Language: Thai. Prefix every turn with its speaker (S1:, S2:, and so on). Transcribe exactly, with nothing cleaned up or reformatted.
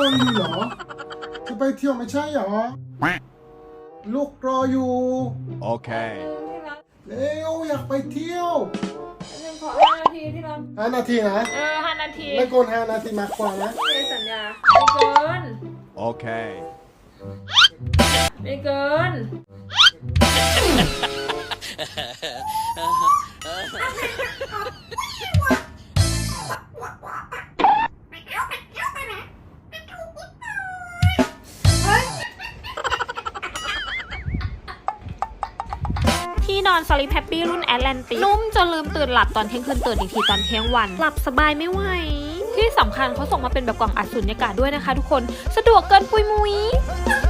S1: เหรอจะไปเที่ยวไม่ใช่เหรอลูกรออยู่โอเคเร็วอยากไปเที่ยว
S2: หนึ่งขอห้านาทีที่รัก
S1: ห้านาทีนะ
S2: เออห้านาที
S1: ไม่เกินห้านาทีมากกว่านะ
S2: ไม่สัญญาไม่เกิน
S1: โอเค
S2: ไม่เกินที่นอนสลิปแฮปปี้รุ่นแอตแลนติกนุ่มจนลืมตื่นหลับตอนเที่ยงคืนตื่นอีกทีตอนเที่ยงวันหลับสบายไม่ไหวที่สำคัญเขาส่งมาเป็นแบบกล่องอัดสุญญากาศด้วยนะคะทุกคนสะดวกเกินปุยมุย